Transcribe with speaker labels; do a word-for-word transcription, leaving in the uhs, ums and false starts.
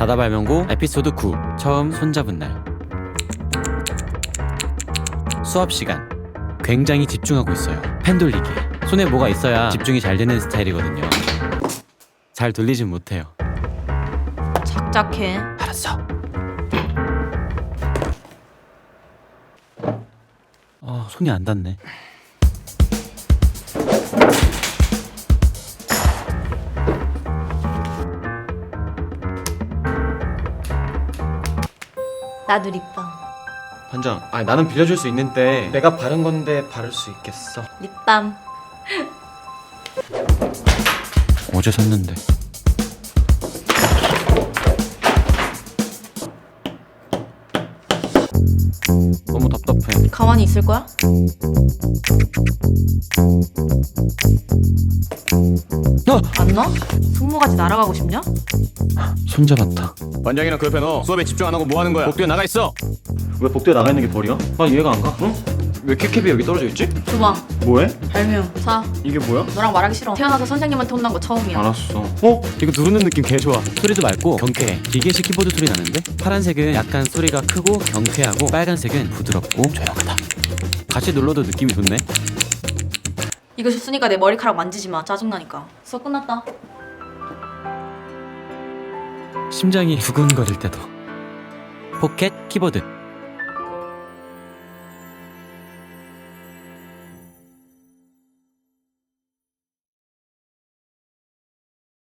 Speaker 1: 다다발명고 에피소드 구. 처음 손잡은 날. 수업 시간. 굉장히 집중하고 있어요. 펜 돌리기. 손에 뭐가 있어야 집중이 잘 되는 스타일이거든요. 잘 돌리진 못해요.
Speaker 2: 작작해.
Speaker 1: 알았어. 어, 손이 안 닿네.
Speaker 2: 나도 립밤.
Speaker 3: 반장, 아니 나는 빌려줄 수 있는데 내가 바른 건데 바를 수 있겠어?
Speaker 2: 립밤.
Speaker 1: 어제 샀는데. 너무 답답해.
Speaker 2: 가만히 있을 거야?
Speaker 1: 어!
Speaker 2: 안 놔? 숙모같이 날아가고 싶냐?
Speaker 1: 손잡았다.
Speaker 3: 반장이랑 그 옆에 너 수업에 집중 안 하고 뭐 하는 거야? 복도에 나가 있어. 왜 복도에 나가 있는 게 벌이야? 나 이해가 안 가. 응? 왜 캡캡이 여기 떨어져 있지?
Speaker 2: 줘봐.
Speaker 3: 뭐해?
Speaker 2: 발명. 자,
Speaker 3: 이게 뭐야?
Speaker 2: 너랑 말하기 싫어. 태어나서 선생님한테 혼난 거 처음이야.
Speaker 3: 알았어. 어? 이거 누르는 느낌 개 좋아.
Speaker 1: 소리도 맑고 경쾌해. 기계식 키보드 소리 나는데? 파란색은 약간 소리가 크고 경쾌하고, 빨간색은 부드럽고 조용하다. 같이 눌러도 느낌이 좋네.
Speaker 2: 이거 줬으니까 내 머리카락 만지지 마. 짜증나니까. 수업 끝났다.
Speaker 1: 심장이 두근거릴 때도. 포켓 키보드.